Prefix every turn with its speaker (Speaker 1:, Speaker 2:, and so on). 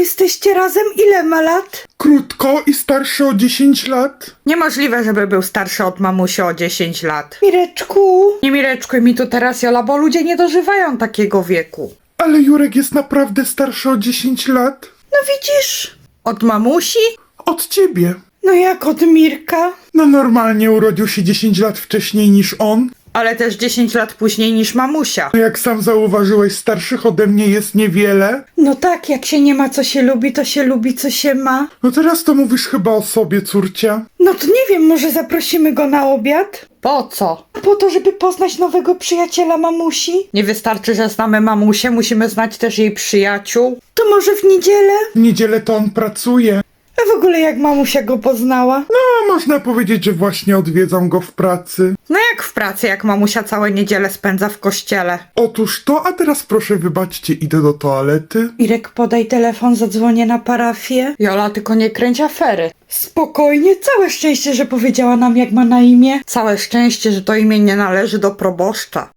Speaker 1: jesteście razem? Ile ma lat?
Speaker 2: Krótko i starszy o 10 lat.
Speaker 1: Niemożliwe, żeby był starszy od mamusi o 10 lat.
Speaker 3: Mireczku,
Speaker 1: Nie mireczkuj mi tu teraz, Jola, bo ludzie nie dożywają takiego wieku.
Speaker 2: Ale Jurek jest naprawdę starszy o 10 lat.
Speaker 3: no widzisz?
Speaker 1: Od mamusi?
Speaker 2: Od ciebie.
Speaker 3: No jak od Mirka?
Speaker 2: No normalnie urodził się 10 lat wcześniej niż on.
Speaker 1: Ale też 10 lat później niż mamusia.
Speaker 2: No jak sam zauważyłeś, starszych ode mnie jest niewiele.
Speaker 3: No tak, jak się nie ma co się lubi, to się lubi co się ma.
Speaker 2: No teraz to mówisz chyba o sobie, córcia.
Speaker 3: No to nie wiem, może zaprosimy go na obiad?
Speaker 1: Po co?
Speaker 3: Po to, żeby poznać nowego przyjaciela mamusi?
Speaker 1: Nie wystarczy, że znamy mamusię, musimy znać też jej przyjaciół.
Speaker 3: To może w niedzielę?
Speaker 2: W niedzielę to on pracuje.
Speaker 3: A w ogóle jak mamusia go poznała?
Speaker 2: No można powiedzieć, że właśnie odwiedzam go w pracy.
Speaker 1: No jak w pracy, jak mamusia całe niedzielę spędza w kościele.
Speaker 2: Otóż to, a teraz proszę wybaczcie, idę do toalety.
Speaker 3: Mirek, podaj telefon, zadzwonię na parafię.
Speaker 1: Jola, tylko nie kręć afery.
Speaker 3: Spokojnie, całe szczęście, że powiedziała nam jak ma na imię.
Speaker 1: Całe szczęście, że to imię nie należy do proboszcza.